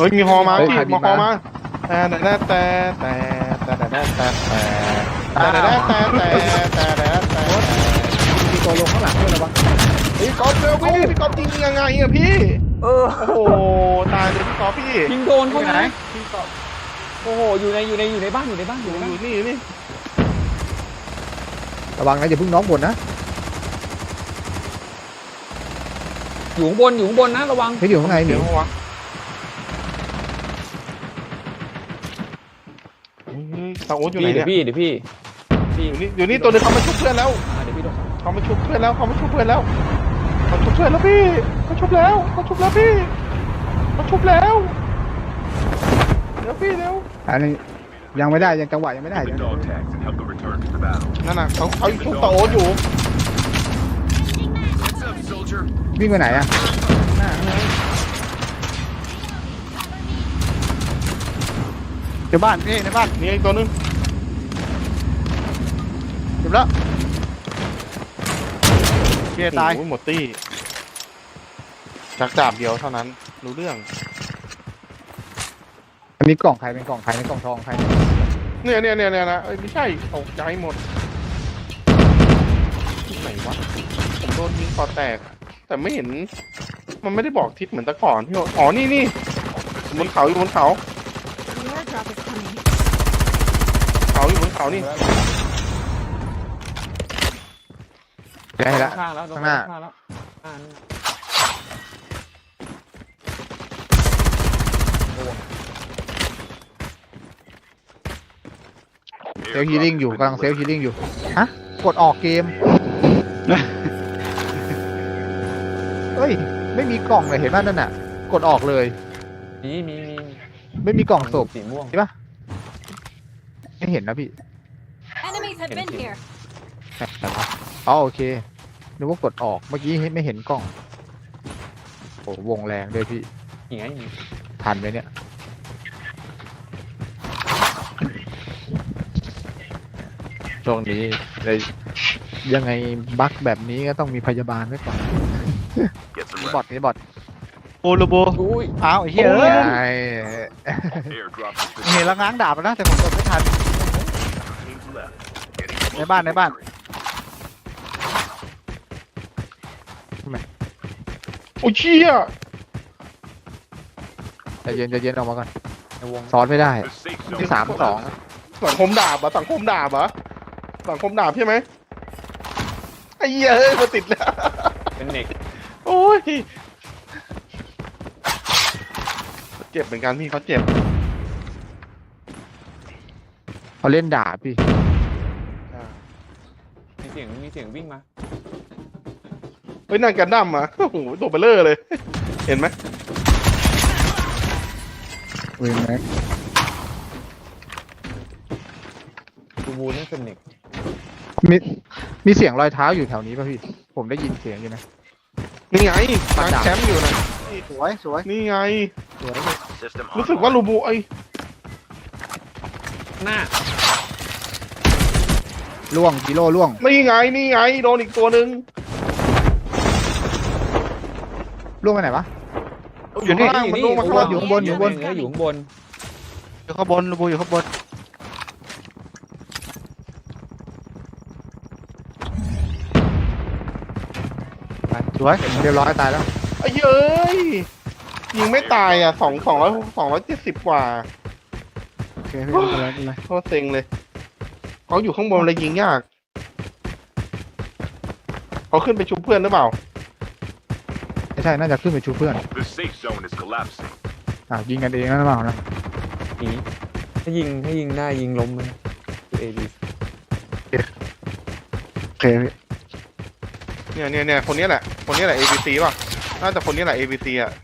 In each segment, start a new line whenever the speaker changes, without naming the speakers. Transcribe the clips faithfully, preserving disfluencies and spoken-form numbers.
ฮ้ยมีฮอมา
เฮ้ย
พี่
ใครบิน
มาฮอ
มา
มาแต่แต่แต่แต่แต่แต่แต่แต่แต่แต่แต่แต่แต่แต่แต่
มีตัวลงข้างหลังด้วยระวัง
พี่ก๊อฟเร็วพี่พี่ก๊อฟยิงยังไงอะพี่
เออ
โอ้โหตายเลยพี่ก๊อฟพี่
ยิงโดนเขา
ไหน
นะโอ้โหอยู่ในอยู่ในอยู่ในบ้านอยู่ในบ้านอยู่ใน
อ
บ้าน
ยู่นี่อยู่นี่
ระวังนะอย่าเพิ่งน้องบนนะ
อยู่ข้างบนอยู่ข้างบนนะระวัง
เฮ้ยอยู่ข้างในหมี
เดี๋ยววะตาโอ๊ตอยู่ไหน
พี่เดี๋
เนี่ย
วย พี่เดี๋ยวพี่พี่
อยู่นี่อยู่นี่ตัวนึงเขามาชุบเพื่อนแล้ว
อ่าเดี๋ยวพี่โดน
เขามาชุบเพื่อนแล้วเขามาชุบเพื่อนแล้วเขาชุบเพื่อนแล้วพี่เขาชุบแล้วเขาชุบแล้วพี่เขาชุบแล้วเดี๋ยวพี่เร็ว
อันนี้ยังไม่ได้ยังจังหวะยังไม่ได้
The dog tags and help them return to the battle.
นั่นน่ะเขาเขาชุบตาโอ๊ตอยู่
Heads up, soldier.
วิ่งไปไหนอะเดี๋ยวบ้านนี่ในบ้าน
นี่อีกตัวนึง
เดี๋ยวแล้วเกียตาย
โอ้โหหมดตี้จากดาบเดียวเท่านั้นรู้เรื่อง
อันนี้กล่องใครเป็นกล่องใครเป็นกล่องทองใคร
เนี่ยเนี่ยเนี่ยเนี่ยนะเอ้ยไม่ใช่ตกใจหมดที่ไหนวะผมโดนยิงคอแตก แต่ไม่เห็น มันไม่ได้บอกทิศเหมือนแตะก่อนพี่โอ๊ตอ๋อนี่นี่บนเขาอยู่บนเขา
The airdrop is coming.
เขาอยู่บนเขานี่
ได้แล้ว
ข้างแล้วโดน
ข้างหน้า
ข้างแล้วอ่านี่
เซลฮีลิ่งอยู่กำลังเซลฮีลิ่งอยู่ฮะกดออกเกมเฮ้ยไม่มีกล่องเลยเห็นป่ะนั่นน่ะกดออกเลย
มีมีมี
ไม่มีกล่องศพ
สีม่วง
ใช่ปะไม่เห็นนะพี่
Enemies have been here.
อ๋อโอเคนึกว่ากดออกเมื่อกี้ไม่เห็นกล่องโอ้วงแรงด้วยพี่
อย่างไง
ทันไหมเนี่ยช่วงนี้เลยยังไงบั๊กแบบนี้ก็ต้องมีพยาบาลไว้ก่อน
Get some
นี่บอท
rest.
นี่บอท
โอโลโบ
อุ้ย
อ้าวไอ้เหี้ยเอ้ย
ไอ้
Airdrop has been
เห็นแล้วง้างดาบแล้วนะแต่ผมกดไม่ทัน
teams left. Getting
ในบ้านในบ้าน
โอ้เชี่ย
ใจเย็นใจเย็นออกมาก่อน
ในวง
ซ้อนไม่ได้
the safe
ที่
zone.
สามสอง
สังคมดาบเหรอะสังคมดาบเหรอะสังคมดาบใช่ไหมไอ้เหี้ยเฮ้ยมาติดแล้ว
เป็นเน็ก
โอ้ยเจ็บเหมือนกันพี่เขาเจ็บ
เขาเล่นด่าพี่
มีเสียงมีเสียงวิ่งมา
เฮ้ยนั่งกันดั้มอ่ะโอ้โหตัวเบลเลอร์เลย เห็นไหม
เว้นไหม
บูบูนี่เป็นเน็ก
มีมีเสียงรอยเท้าอยู่แถวนี้ป่ะพี่ ผมได้ยินเสียงอยู่นะ
นี่ไงกลางแชมป์อยู่นะ
สวยสวย
นี่ไง
สวย
System
รู้สึกว่า
online.
ลูบูไอ้
หน้า
ล่วงกิโลล่วง
นี่ไงนี่ไงโดนอีกตัวหนึ่ง
ล่วงไปไหนวะ
อยู่ข้างล่างมันลงมาข้างล่าง
อยู่ข้างบนอยู่ข้างบน
เนื้ออยู่ข้างบน
อยู่ข้างบนโลโบอยู่ข้างบน
ไปสวยเรียบร้อยตายแล้ว
ไอ้เย้ยยิงไม่ตายอ่ะสองสองร้อยสองร้อยเจ็ดสิบกว่า
โอเคพี่ไม่เป็นไรไม่เป็นไร
โคตรเซ็งเลยเขาอยู่ข้างบนเลยยิงยากเขาขึ้นไปชุบเพื่อนหรือเปล่า
ไม่ใช่น่าจะขึ้นไปชูเพื่อน
The safe zone is collapsing.
อ่ะยิงกันเองนั่นหรือเปล่านะ
ผีถ้ายิงถ้ายิงได้ยิงล้มมันคือเอดี
โอเคพี่
เนี่ยเนี่ยเนี่ยคนนี้แหละ คนนี้แหละ เอ บี ซี ป่ะ น่าจะคนนี้แหละ เอ บี ซี อ่ะ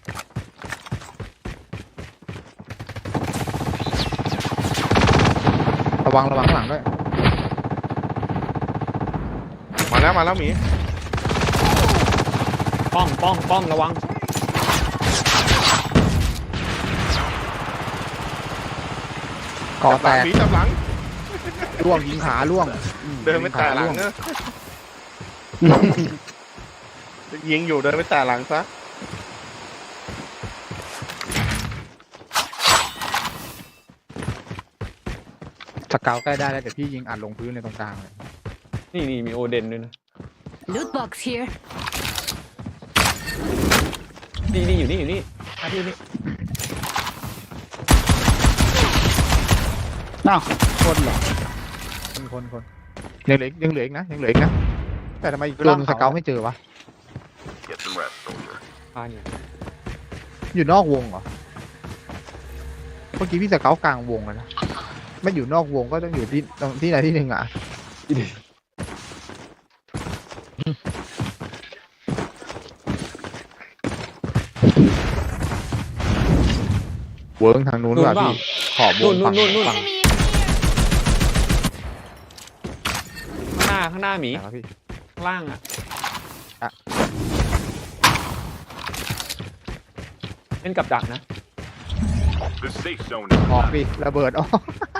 ระวังระวังข้างหลังด้วย
มาแล้วมาแล้วหมี
ป้อมป้อมป้อมระวัง
เกาะ
จับห
แต
ลัง
ก
หมีจับหลัง
ล่วงยิงขาล่วง
เดินไปแต่หลังเนอะยิงอยู่เดินไปแต่หลังซะ
สเกลใกล้ได้แล้วแต่พี่ยิงอัดลงพื้นในตรงกลางเลย
นี่นี่มีโอเดนด้วยนะ
Loot box here.
นี่นี่อยู่นี่อยู่นี่อ่ะที่นี่
น้าว
คนเหรอคนคนคนยังเหลืออีกยังเหลืออีกนะยังเหลืออีกนะแต่ทำไมอีกตัวหนึงสเกลไม่เจอวะ
Get some rest, soldier.
พาอยู่
อยู่นอกวงเหรอเมื่อกี้พี่สเกลกลางวงเลยนะไม่อยู่นอกวงก็ต้องอยู่ที่ตรงที่ไหนที่หนึ่งอ่ะเวิร์กทางนู้นว่ะพี่ขอบว
นู่
ง
นนู่
ฝั่
น
ง
นู่นนู่น
ฝั่ง
ข้างหน้าข้างหน้าหมี
ไหนวะพี่
ข้างล่างอ่ะ
อ่ะ
เล่นกับดักนะ
The safe zone is
ออก
collapsing.
ดิระเบิดออก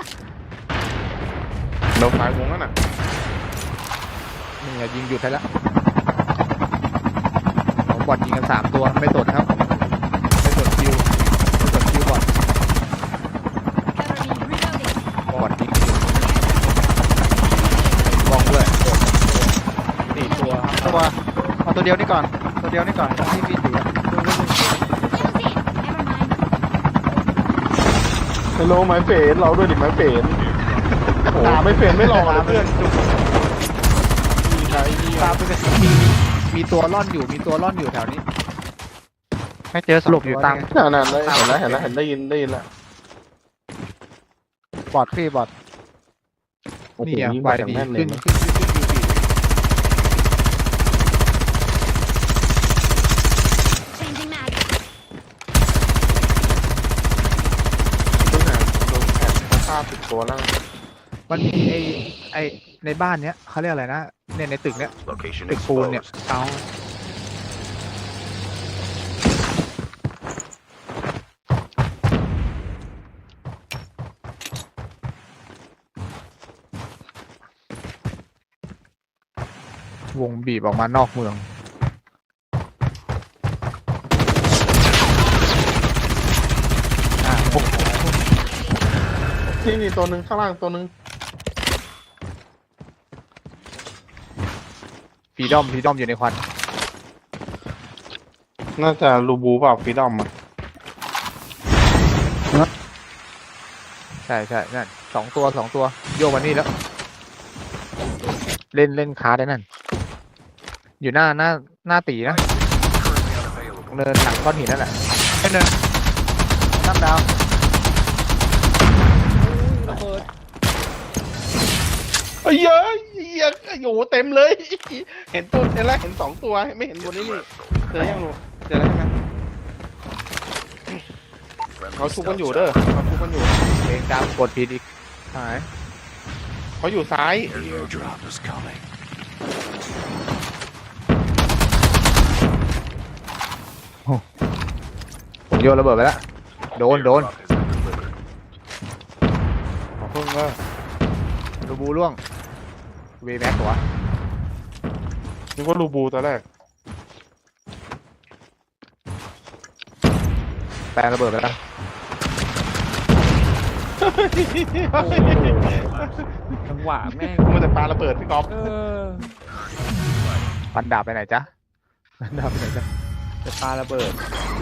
เราสายวงนั่นน่ะ
นี่ไงยิงหยุดให้แล้วเอาบอดยิงกันสามตัวไม่สนครับไม่สนคิวไม่สนคิวบอด
Cover me. Reloading.
บอดยิงอยู่บองด้วย
สี่ตัว
ตัวเอาตัวเดียวนี่ก่อนตัวเดียวนี่ก่อนที่พี่ถือ
Don't see it. Never mind.
ฮัลโหลไม้เฟนเราด้วยดิไม้เฟนตาไม่เฟนไม่รอเลยเพื่อนจุกมีใครมี
ตามไปเลยมีมีตัวร่อนอยู่มีตัวร่อนอยู่แถวนี้
ไม่เจอส
หล
รุ
บอยู่ตาม
นั่นนั่นเห็นแล้วเห็นแล้วเห็นได้ยินได้ยินแล้ว
บอดพี่บอด
โอ้โห
นี่อ่ะ
ยิง
ไว
มาอย่าง
ดี
แม่นเล
ขึ้
ย
น
นะ
ขึ้นขึ้นขึ้นยูบี
Changing mag.
ต้นหาโดนแผดฆ่าติดตัวแล้ว
มันมีไอไอในบ้านเนี้ยเขาเรียกอะไรนะเนี่ยในตึกเนี้ย
Location
ตึกปูนเนี่ย
exposed.
เอาวงบีบออกมานอกเมืองอ่าโอ้โห
ที่นี่ตัวหนึ่งข้างล่างตัวหนึ่ง
ฟรีดอมฟรีดอมอยู่ในควัน
น่าจะรูบูเปล่าฟรีดอมอ่ะ
ใช่ใช่นั่นสองตัวสองตัวโยกมานี่แล้ว เล่นเล่นคาร์ดได้นั่น อยู่หน้าหน้าหน้าตีนะ
Currently unavailable.
เนินหลังก้อนหินนั่นแหละไอ้เนิน
ตั้มดาว
ระเบิด
เอ้ยเยอะเหี้ยโอ้โหเต็มเลย เห็นตัวเห็นแล้วเห็นสองตัวไม่เห็นตัว
Get
นี้
some
นี่
rest, soldier.
เจอยังลูกเจอแล้วใช่ไหม
Friendly
เขาชุบกัน
stealth
อยู่เด้อ
zone.
เขาชุบกันอยู่
เองดำกดผิดอีกหาย
เขาอยู่ซ้าย
Airdrop is coming.
ผมโยนระเบิดไปแล้วโดนโดน
Airdrop has been delivered.
ขอเพิ่งว่ารูบูล่วงเวแม็กตัว
นึกว่ารูบูตอนแรก
แปลระเบิดไปแล้ว
จังหวะแม่ง
มันจะปาระเบิดพี่ก๊อฟ
เออ
ฟันดาบไปไหนจ๊ะฟันดาบไปไหนจ๊ะ
จะปาระเบิด